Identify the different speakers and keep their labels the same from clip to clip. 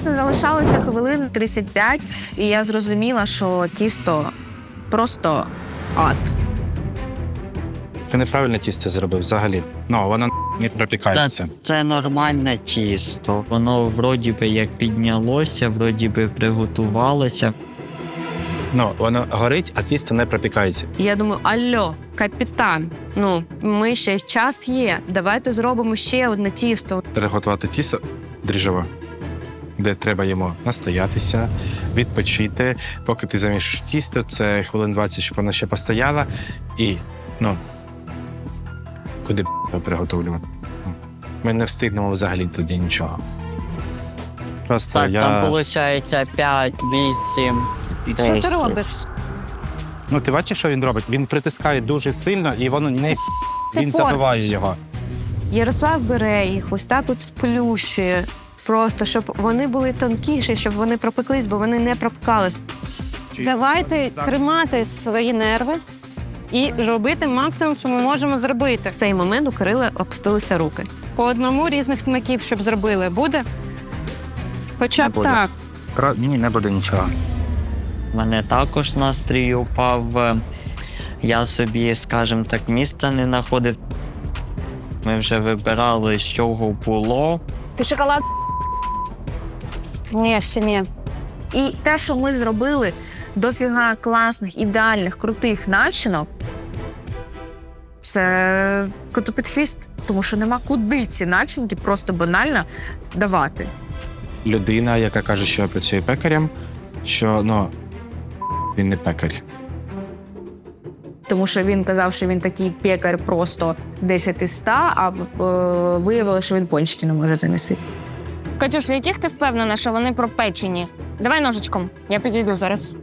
Speaker 1: Чесно, залишалося хвилин 35, і я зрозуміла, що тісто просто ад.
Speaker 2: Ти неправильне тісто зробив взагалі. Ну, воно не пропікається.
Speaker 3: Це нормальне тісто. Воно вроді би як піднялося, вроді би приготувалося.
Speaker 2: Ну, воно горить, а тісто не пропікається.
Speaker 1: І я думаю, алло, капітан, ми ще час є, давайте зробимо ще одне тісто.
Speaker 2: Приготувати тісто дріжджове, де треба йому настоятися, відпочити. Поки ти замішуєш тісто, це хвилин 20, щоб воно ще постояло. І, куди його приготовлювати? Ми не встигнемо взагалі тоді нічого. Просто
Speaker 3: Так, там виходить 5, 8,
Speaker 1: Що
Speaker 3: 10.
Speaker 1: ти робиш?
Speaker 2: Ти бачиш, що він робить? Він притискає дуже сильно, і воно не він забиває його.
Speaker 1: Ярослав бере їх, ось так от сплющує. Просто, щоб вони були тонкіші, щоб вони пропеклись, бо вони не пропекались.
Speaker 4: Давайте тримати свої нерви і робити максимум, що ми можемо зробити.
Speaker 1: В цей момент у Кирила опустилися руки.
Speaker 4: По одному різних смаків, щоб зробили. Буде? Хоча б
Speaker 2: Буде.
Speaker 4: так.
Speaker 2: Ні, не буде нічого.
Speaker 3: У мене також настрій упав. Я собі, скажімо так, міста не знаходив. Ми вже вибирали, з чого було.
Speaker 1: Ти шоколад?
Speaker 4: Ні, ще ні.
Speaker 1: І те, що ми зробили, дофіга класних, ідеальних, крутих начинок, це коту під хвіст. Тому що нема куди ці начинки просто банально давати.
Speaker 2: Людина, яка каже, що працює пекарем, що, він не пекар.
Speaker 1: Тому що він казав, що він такий пекар просто 10 із 100, а виявилося, що він пончики не може замісити.
Speaker 4: Катюш, в яких ти впевнена, що вони пропечені? Давай ножичком, я підійду зараз.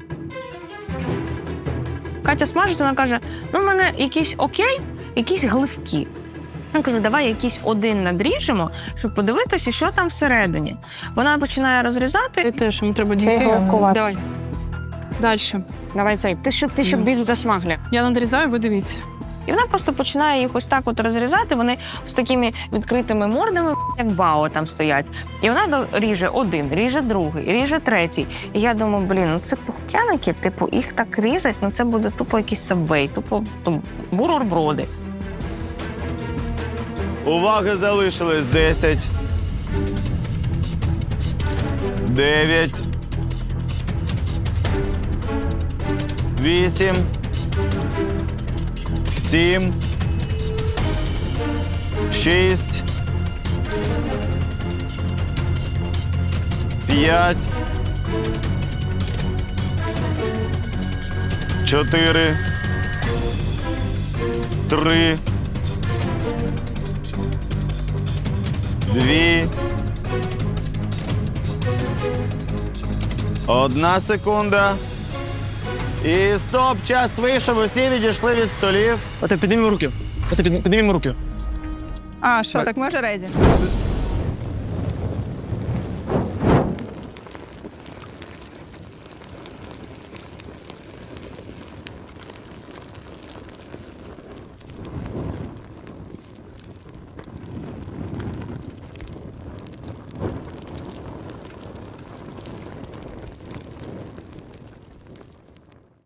Speaker 4: Катя смажить, вона каже, в мене якісь окей, якісь гливкі. Вона каже, давай якийсь один надріжемо, щоб подивитися, що там всередині. Вона починає розрізати.
Speaker 5: Те, що йому треба дійти. Давай. Далі.
Speaker 4: Давай цей, ти щоб більш засмаглі.
Speaker 5: Я надрізаю, ви дивіться.
Speaker 4: І вона просто починає їх ось так от розрізати, вони з такими відкритими мордами, як бао там стоять. І вона ріже один, ріже другий, ріже третій. І я думаю, це пухкяники, їх так різать, це буде тупо якийсь сабвей, тупо бутерброди.
Speaker 6: Уваги залишилось 10, 9, 8, 7, 6, 5, 4, 3, 2, 1 секунда. І стоп, час вийшов, усі відійшли від столів.
Speaker 7: Піднімемо руки. Піднімемо руки.
Speaker 5: А, що, так ми вже реді?